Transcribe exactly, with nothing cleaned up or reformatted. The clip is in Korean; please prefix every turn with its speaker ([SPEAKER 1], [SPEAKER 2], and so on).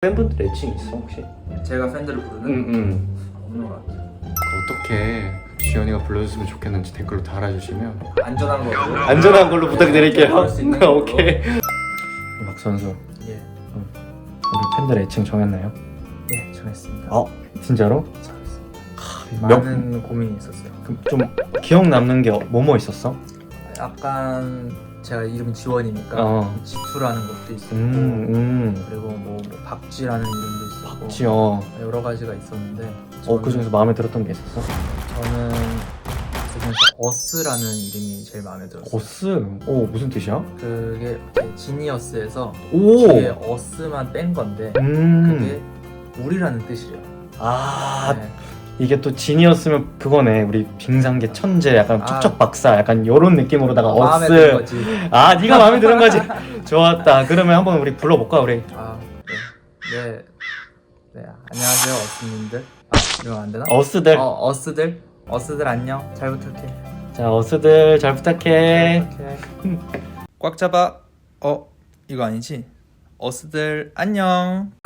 [SPEAKER 1] 팬분들 애칭 있어 혹시?
[SPEAKER 2] 제가 팬들을 부르는?
[SPEAKER 1] 응응.
[SPEAKER 2] 없는 것 같아요.
[SPEAKER 1] 어떻게 지연이가 불러줬으면 좋겠는지 댓글로 달아주시면
[SPEAKER 2] 안전한 걸로.
[SPEAKER 1] 안전한 걸로 부탁드릴게요.
[SPEAKER 2] 그럴 수 있는 걸로.
[SPEAKER 1] 오케이. 박 선수,
[SPEAKER 2] 예,
[SPEAKER 1] 우리 팬들 애칭 정했나요?
[SPEAKER 2] 예, 정했습니다.
[SPEAKER 1] 어, 진짜로?
[SPEAKER 2] 정했습니다.
[SPEAKER 1] 몇-
[SPEAKER 2] 많은 고민이 있었어요.
[SPEAKER 1] 그럼 좀 기억 남는 게 뭐뭐 있었어?
[SPEAKER 2] 약간 제가 이름이 지원이니까
[SPEAKER 1] 어.
[SPEAKER 2] 지투라는 것도 있었고
[SPEAKER 1] 음, 음.
[SPEAKER 2] 그리고 뭐, 뭐 박쥐라는 이름도 있었고
[SPEAKER 1] 지 어.
[SPEAKER 2] 여러 가지가 있었는데
[SPEAKER 1] 어, 그 중에서 마음에 들었던 게 있었어?
[SPEAKER 2] 저는 그 중에서 어스라는 이름이 제일 마음에 들었어요.
[SPEAKER 1] 어스. 오, 무슨 뜻이야?
[SPEAKER 2] 그게 지니어스에서
[SPEAKER 1] 오.
[SPEAKER 2] 뒤에 어스만 뺀 건데
[SPEAKER 1] 음.
[SPEAKER 2] 그게 우리라는 뜻이에요.
[SPEAKER 1] 아,
[SPEAKER 2] 네.
[SPEAKER 1] 이게 또 지니어스면 그거네. 우리 빙상계 천재, 약간
[SPEAKER 2] 아.
[SPEAKER 1] 촉촉 박사, 약간 요런 느낌으로다가
[SPEAKER 2] 마음에 드는
[SPEAKER 1] 어스.
[SPEAKER 2] 거지.
[SPEAKER 1] 아, 네가 마음에 드는 거지. 좋았다. 그러면 한번 우리 불러볼까, 우리?
[SPEAKER 2] 아, 네. 네. 네. 안녕하세요, 어스님들. 아, 이러면 안 되나?
[SPEAKER 1] 어스들.
[SPEAKER 2] 어, 어스들. 어스들 안녕. 잘 부탁해.
[SPEAKER 1] 자, 어스들 잘 부탁해.
[SPEAKER 2] 잘 부탁해. 꽉 잡아. 어, 이거 아니지? 어스들 안녕.